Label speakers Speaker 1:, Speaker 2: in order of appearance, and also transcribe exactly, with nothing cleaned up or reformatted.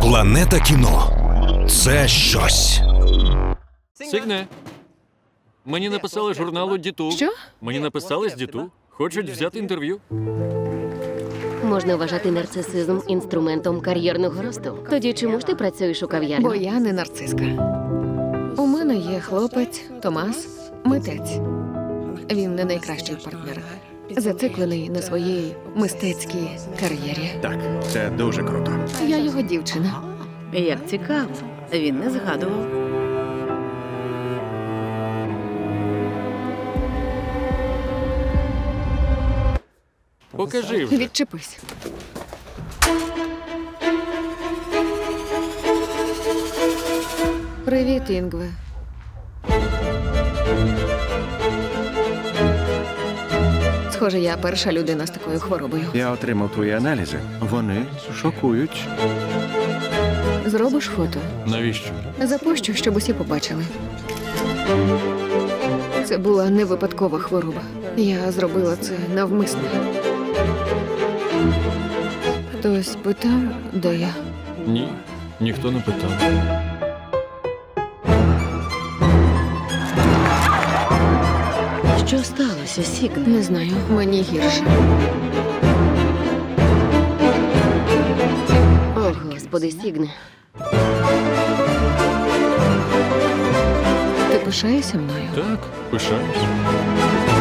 Speaker 1: Планета кіно – це щось.
Speaker 2: Сігне. Мені написали з журналу Діту.
Speaker 3: Що?
Speaker 2: Мені написали з Діту. Хочуть взяти інтерв'ю.
Speaker 4: Можна вважати нарцисизм інструментом кар'єрного росту. Тоді чому ж ти працюєш у кав'ярні?
Speaker 3: Бо я не нарциска. У мене є хлопець Томас, митець. Він не найкращий партнер. Зациклений на своїй мистецькій кар'єрі.
Speaker 5: Так, це дуже круто.
Speaker 3: Я його дівчина.
Speaker 6: Як цікаво, він не згадував.
Speaker 2: Покажи вже.
Speaker 3: Відчепись. Привіт, Інгве. Схоже, я перша людина з такою хворобою.
Speaker 5: Я отримав твої аналізи. Вони шокують.
Speaker 3: Зробиш фото?
Speaker 2: Навіщо?
Speaker 3: Запущу, щоб усі побачили. Це була не випадкова хвороба. Я зробила це навмисно. Хтось питав, де я?
Speaker 2: Ні, ніхто не питав.
Speaker 4: Що сталося, Сігне?
Speaker 3: Не знаю, мені гірше.
Speaker 4: О, господи, Сігне.
Speaker 3: Ти пишаєшся мною?
Speaker 2: Так, пишаюсь.